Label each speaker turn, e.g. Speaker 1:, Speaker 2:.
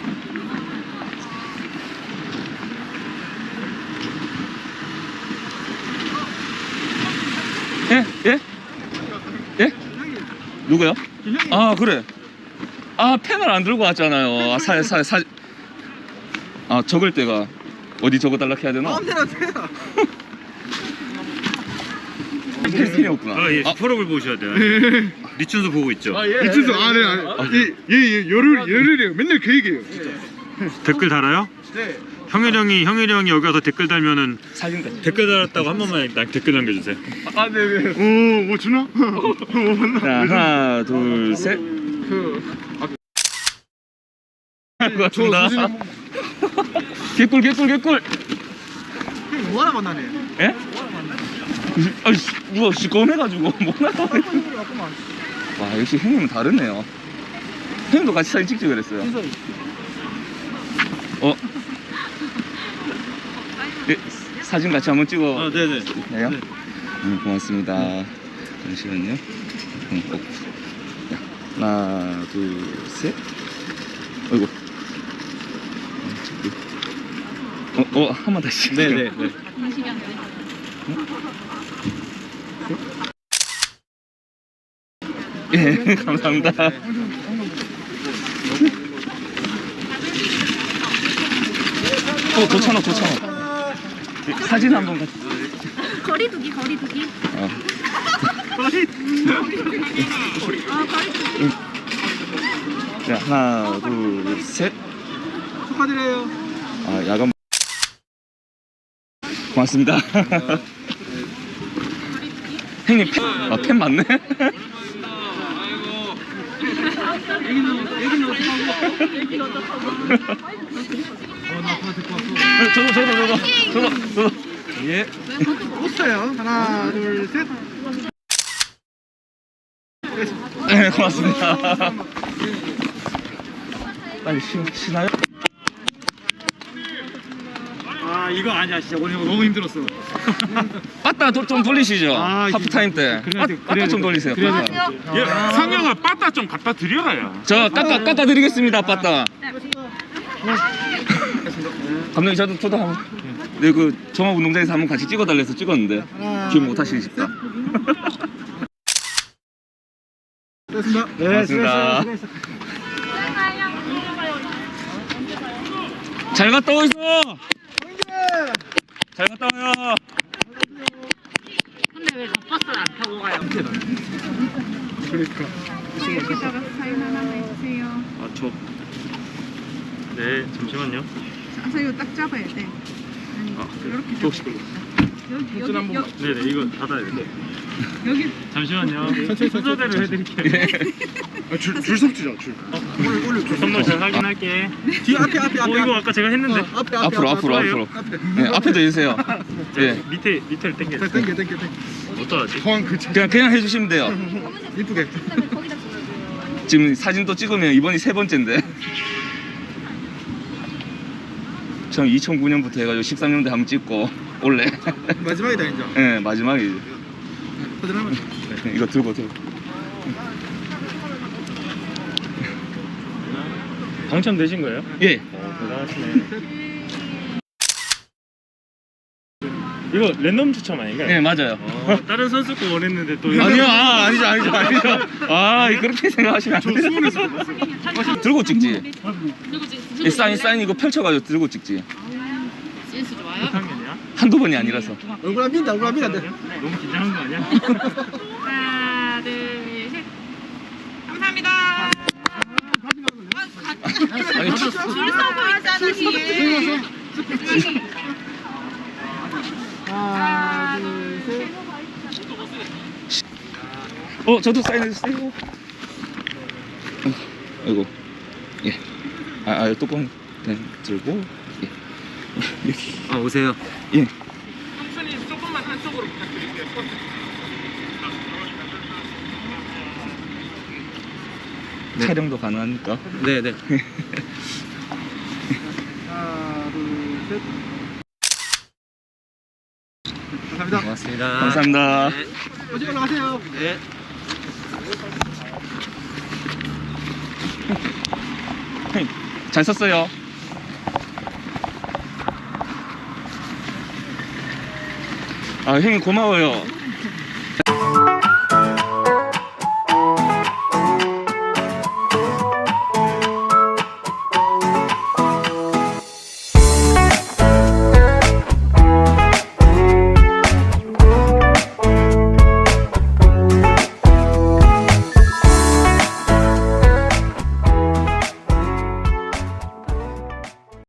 Speaker 1: 예? 예? 예? 누구요? 아 그래. 아 펜을 안 들고 왔잖아요. 아 적을 때가 어디 적어달라 해야 되나?
Speaker 2: 마음대로 하세요.
Speaker 1: 펜이 없구나.
Speaker 3: 아, 예, 슈퍼럽을 보셔야 돼요. 리춘수 보고 있죠.
Speaker 2: 미친수 네. 열흘이에요. 맨날 그 얘기예요. 진짜.
Speaker 3: 댓글 달아요?
Speaker 2: 네.
Speaker 3: 형일이 형이 여기 와서 댓글 달면은
Speaker 1: 사진 같
Speaker 3: 댓글 달았다고 한 번만 댓글 남겨주세요.
Speaker 2: 아, 네. 뭐 주나? 뭐 맞나?
Speaker 1: 자 하나 둘 셋. 고맙습니다. 개꿀.
Speaker 2: 뭐 하나 만나네.
Speaker 1: 예? 아이씨 누가 시꺼매가지고 뭐나. 와 역시 형님은 다르네요. 형님도 같이 사진 찍지 그랬어요. 예, 사진 같이 한번 찍어.
Speaker 3: 아, 네네.
Speaker 1: 네요? 고맙습니다. 잠시만요. 자, 하나, 둘, 셋. 어이구. 한 번 다시.
Speaker 3: 네네.
Speaker 1: 예, 감사합니다. 도천어. 사진 한번 같이.
Speaker 4: 거리두기.
Speaker 1: 자, 하나, 둘, 셋.
Speaker 2: 축하드려요.
Speaker 1: 아, 야간. 고맙습니다. 형님 펜 맞네? 저도. 예.
Speaker 2: 웃어요. 하나, 둘, 셋.
Speaker 1: 네, 고맙습니다. 빨리 쉬나요?
Speaker 3: 아, 이거 아니야. 진짜 오늘 너무 힘들었어.
Speaker 1: 빠따 좀 돌리시죠.
Speaker 3: 아,
Speaker 1: 하프타임 때. 빠따 좀 돌리세요. 빠따.
Speaker 3: 예, 상영아 빠따 좀 갖다 드려라야.
Speaker 1: 저 깎아 드리겠습니다, 빠따. 감독님 저도 한번. 네, 그 종합운동장에서 한번 같이 찍어달래서 찍었는데 기억 못 하시니까.
Speaker 2: 됐습니다.
Speaker 1: 네, 고맙습니다. 잘 갔다 오이소. 잘 갔다 와요.
Speaker 4: 근데 왜 저 버스를 안 타고 가요?
Speaker 2: 그러니까.
Speaker 4: 여기다가 사인 하나만 해주세요.
Speaker 3: 아, 네, 잠시만요.
Speaker 4: 자, 이거 딱 잡아야 돼. 아니, 이렇게
Speaker 1: 혹시
Speaker 4: 여기.
Speaker 3: 네네, 이거 닫아야 돼.
Speaker 4: 여기.
Speaker 3: 잠시만요. 순서대로 해드릴게요.
Speaker 2: 줄 섭주자, 줄. 올려.
Speaker 3: 선물 잘 확인할게.
Speaker 2: 뒤 앞에.
Speaker 3: 이거 아까 제가 했는데.
Speaker 1: 앞으로. 네, 앞에도 해주세요. 예.
Speaker 3: 밑에를 당겨.
Speaker 2: 땡겨.
Speaker 3: 어떠하지?
Speaker 2: 포항 그
Speaker 1: 그냥 해주시면 돼요.
Speaker 2: 이쁘게.
Speaker 1: 지금 사진 또 찍으면 이번이 3번째인데. 전 2009년부터 해가지고 13년도에 한번 찍고 올래.
Speaker 2: 마지막이다 이제.
Speaker 1: 네, 마지막이지.
Speaker 2: 사진 한번.
Speaker 1: 네, 이거 들고.
Speaker 3: 당첨되신 거예요?
Speaker 1: 예.
Speaker 3: 대단하시네. 이거 랜덤 추첨 아닌가요?
Speaker 1: 네, 맞아요.
Speaker 3: 다른 선수 거 원했는데 또
Speaker 1: 아니요, 아니죠. 아, 그렇게 생각하시면 안 돼요. 들고 찍지. 이 사인 이거 펼쳐가지고 들고 찍지.
Speaker 4: 센스 좋아요?
Speaker 3: 6학년이야?
Speaker 1: 한두 번이 아니라서.
Speaker 2: 얼굴 안 빈다.
Speaker 3: 너무 긴장한 거 아니야?
Speaker 4: 하나, 둘, 셋. 감사합니다.
Speaker 1: 아니,
Speaker 4: 줄 서고 있잖아, 뒤에.
Speaker 2: 하나, 둘, 셋.
Speaker 1: 저도 사인해주세요. 아이고. 예. 뚜껑 들고. 예. 여기.
Speaker 3: 아, 오세요.
Speaker 1: 예.
Speaker 3: 형수님 조금만 한쪽으로 부탁드릴게요.
Speaker 1: 네. 촬영도 가능하니까.
Speaker 3: 네네.
Speaker 2: 하나, 둘, 셋. 감사합니다.
Speaker 3: 고맙습니다.
Speaker 1: 감사합니다.
Speaker 2: 어디 올라가세요.
Speaker 3: 네.
Speaker 1: 형님, 잘 썼어요. 아, 형님 고마워요.